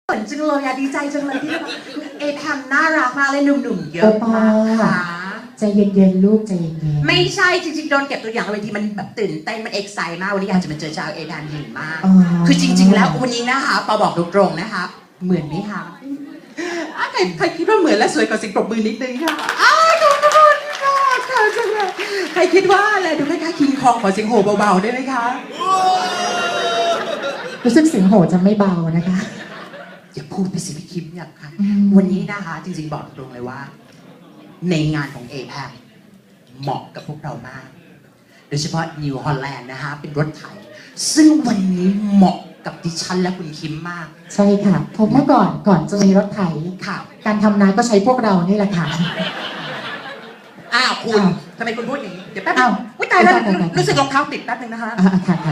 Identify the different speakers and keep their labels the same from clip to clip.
Speaker 1: เหมือนจังเลยอะดีใจจังเลยที่เอแพมน่ารักมากเลยหนุ่มๆเยอะมากค่ะ
Speaker 2: ใจเย็นๆลูกใจเย็น
Speaker 1: ๆไม่ใช่จริงๆโดนเก็บตัวอย่างบางทีมันแบบตื่นเต้นมันเอ็กไซต์มากวันนี้อยากจะมาเจอชาวเอแพมหินมากคือจริงๆแล้ววันนี้นะคะปอบอกตรงๆนะคะเหมือนไหมคะใครคิดว่าเหมือนและสวยกว่าสิ่งปรบมือนิดนึงค่ะขอบคุณค่ะค่ะจังเลยใครคิดว่าอะไรดูคล้ายๆคิงคองขอเสียงโห่เบาๆได้ไหมคะ
Speaker 2: รู้สึกเสียงโหจะไม่เบานะคะ
Speaker 1: อย่าพูดไปสิพี่คิมอยากค่ะวันนี้นะคะจริงๆบอกตรงเลยว่า ในงานของ APAC เหมาะกับพวกเรามาก โดยเฉพาะนิวฮอลแลนด์นะคะเป็นรถไถซึ่งวันนี้เหมาะกับดิฉันและคุณคิมมาก
Speaker 2: ใช่ค่ะเพราะเมื่อก่อนจะมีรถไถ
Speaker 1: ค่ะ
Speaker 2: การทำนาก็ใช้พวกเรานี่แหละค่ะ
Speaker 1: คุณทำไมคุณพูดอย่างนี้เดี๋ยวแป๊บนึงอุ้ยตายแล้วรู้สึกรองเท้าติดแป๊บนึงนะคะ
Speaker 2: ค่ะ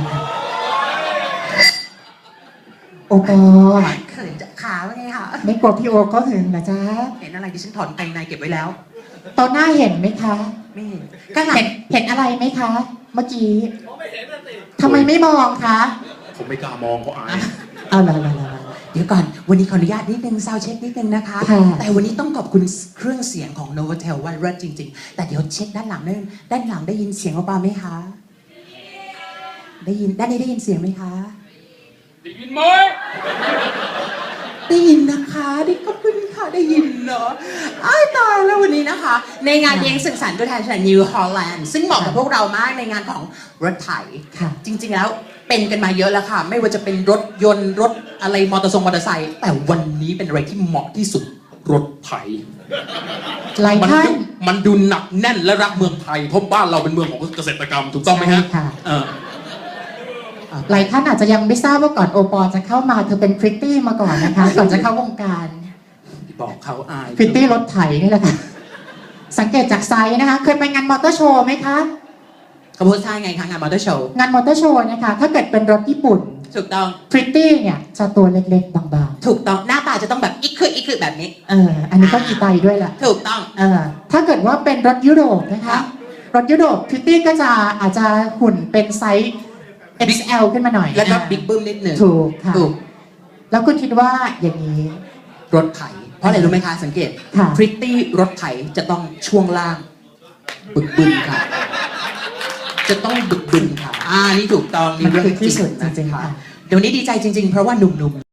Speaker 2: โอปอ
Speaker 1: เขินจะขาว่าไงคะ
Speaker 2: ไม่กลัวพี่โอก็หึงเหรอจ๊ะ
Speaker 1: เห็นอะไรดิฉันถอนกางในเก็บไว้แล้ว
Speaker 2: ตอนหน้าเห็นไหมคะ
Speaker 1: ไม่เห็น
Speaker 2: ก็เห็นอะไรไหมคะ เมื่อกี้ไม่เห็นสิทำไมไม่มองคะ
Speaker 3: ผมไม่กล้ามองเขาอาย
Speaker 2: เอาละ
Speaker 1: เดี๋ยวก่อนวันนี้ขออนุญาตนิดนึงซาวเช็คนิดนึงนะคะแต่วันนี้ต้องขอบคุณเครื่องเสียงของ Novotel ว่าเลิศจริงๆแต่เดี๋ยวเช็คด้านหลังนึงด้านหลังได้ยินเสียงเบาๆไหมคะได้ยินด้านนี้ได้ยินเสียงไหมคะ
Speaker 3: ได้ยินไหม
Speaker 1: ได้ยินนะคะได้ขอบคุณค่ะได้ยินเนาะตายแล้ววันนี้นะคะ ในงานเลี้ยงสังสรรค์ตัวแทนจากนิวฮอลแลนด์ซึ่งเหมาะกับพวกเรามากในงานของรถไถจริงๆแล้วเป็นกันมาเยอะแล้วค่ะไม่ว่าจะเป็นรถยนต์รถอะไรมอเตอร์ไซค์แต่วันนี้เป็นอะไรที่เหมาะที่สุด
Speaker 3: รถไถ
Speaker 2: หลายท่าน
Speaker 3: มันดูหนักแน่นและรักเมืองไทยเพราะบ้านเราเป็นเมืองของเกษตรกรรมถูกต้องไหมฮะ
Speaker 2: หลายท่านอาจจะยังไม่ทราบว่าก่อนโอปอจะเข้ามาเธอเป็นพริตตี้มาก่อนนะคะก่อนจะเข้าวงการ
Speaker 1: บอกเขาอาย
Speaker 2: พริตตี้รถไถนี่แหละค่ะสังเกตจากไซส์นะคะเคยไปงานมอเตอร์โชว์ไหมคะ
Speaker 1: เขาพูดใช่ไงคะงานมอเตอร์โชว์
Speaker 2: งานมอเตอร์โชว์นะคะถ้าเกิดเป็นรถญี่ปุ่น
Speaker 1: ถูกต้อง
Speaker 2: พริตตี้เนี่ยจะตัวเล็กๆบาง
Speaker 1: ๆถูกต้องหน้าตาจะต้องแบบอิกคือแบบนี้
Speaker 2: อันนี้ก็อีไตด้วยแหละ
Speaker 1: ถูกต้อง
Speaker 2: ถ้าเกิดว่าเป็นรถยุโรปนะคะรถยุโรปพริตตี้ก็จะอาจจะหุ่นเป็นไซส์ XL ขึ้นมาหน่อย
Speaker 1: แล้วก็บิ๊กบึ้มนิดหนึ่ง
Speaker 2: ถูกค่ะแล้วคุณคิดว่าอย่างนี้
Speaker 1: รถไถเพราะอะไรรู้ไหมคะสังเกตพริตตี้รถไถจะต้องช่วงล่างบึกบึนค่ะจะต้องบึกบึนค่ะนี่ถูกต้อง
Speaker 2: นี่เรื่องที่สุดจริงๆค่ะ
Speaker 1: เดี๋ยวนี้ดีใจจริงๆเพราะว่าหนุ่มๆ